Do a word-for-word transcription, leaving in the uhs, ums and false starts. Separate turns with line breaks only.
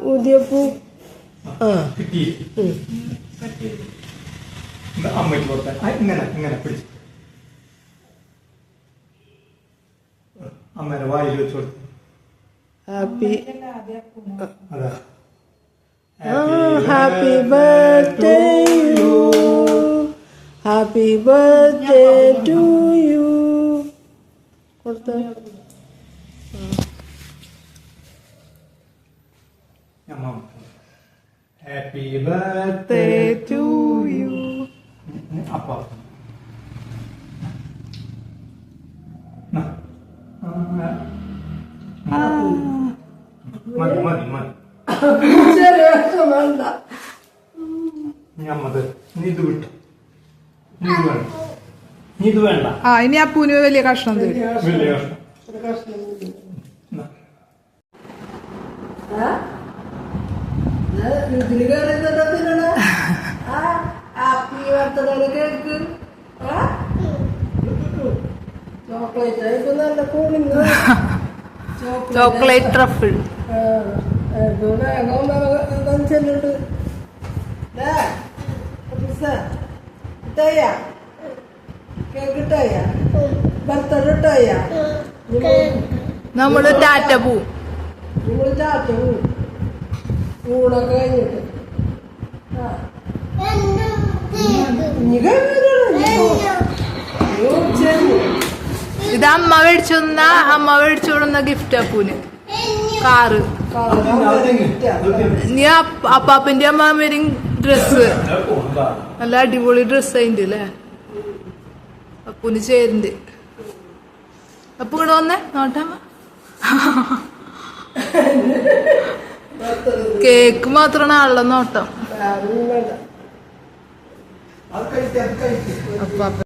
ഊതിയപ്പൂ ആ
അമ്മയ്ക്ക് കൊടുത്താൽ ഇങ്ങനെ ഇങ്ങനെ പിടിച്ചു അമ്മേടെ വായിൽ വെച്ച് കൊടുത്തു.
ഹാപ്പി
അതാ
happy birthday you happy birthday to you കൊടുത്ത
ഹാപ്പി ബർത്ത്ഡേ
ടു യു
അപ്പ മതി മതി മതി ഞമ്മത് നീ ഇത് വിട്ടു നീ ഇത് വേണ്ട നീ ഇത് വേണ്ട
ആ ഇനി അപ്പൂന് വലിയ കഷ്ണം തരും.
വലിയ കഷ്ണം
ഇതില് കയറി ഹാപ്പി ബർത്ത്ഡേ കേക്ക് ചോക്ലേറ്റ് ആയിട്ട് നല്ല കൂളിംഗ്
ചോക്ലേറ്റ് ട്രഫിൾ
വേഗം ചെല്ലുണ്ട് ഇട്ടയ്യ കേക്ക് ഇട്ടയ്യ ബർത്ത്ഡേ ഇട്ടയ്യ
നമ്മള് ടാറ്റ പോവും.
നമ്മള് ടാറ്റ പോവും ഊണൊക്കെ കഴിഞ്ഞിട്ട്
ഇത് അമ്മ മേടിച്ചു തന്ന അമ്മ മേടിച്ചു കൊടുന്ന ഗിഫ്റ്റ് അപ്പൂന് കാറ്. നീ അപ്പാപ്പന്റെ അമ്മാമേരും ഡ്രസ്സ് നല്ല അടിപൊളി ഡ്രസ് അതിന്റെ അല്ലേ അപ്പൂന് ചേരുന്നുണ്ട്. അപ്പൊ ഇവിടെ വന്നേ നോട്ടമ്മ കേക്ക് മാത്രമാണ് ആളുടെ നോട്ടം. അപ്പാപ്പ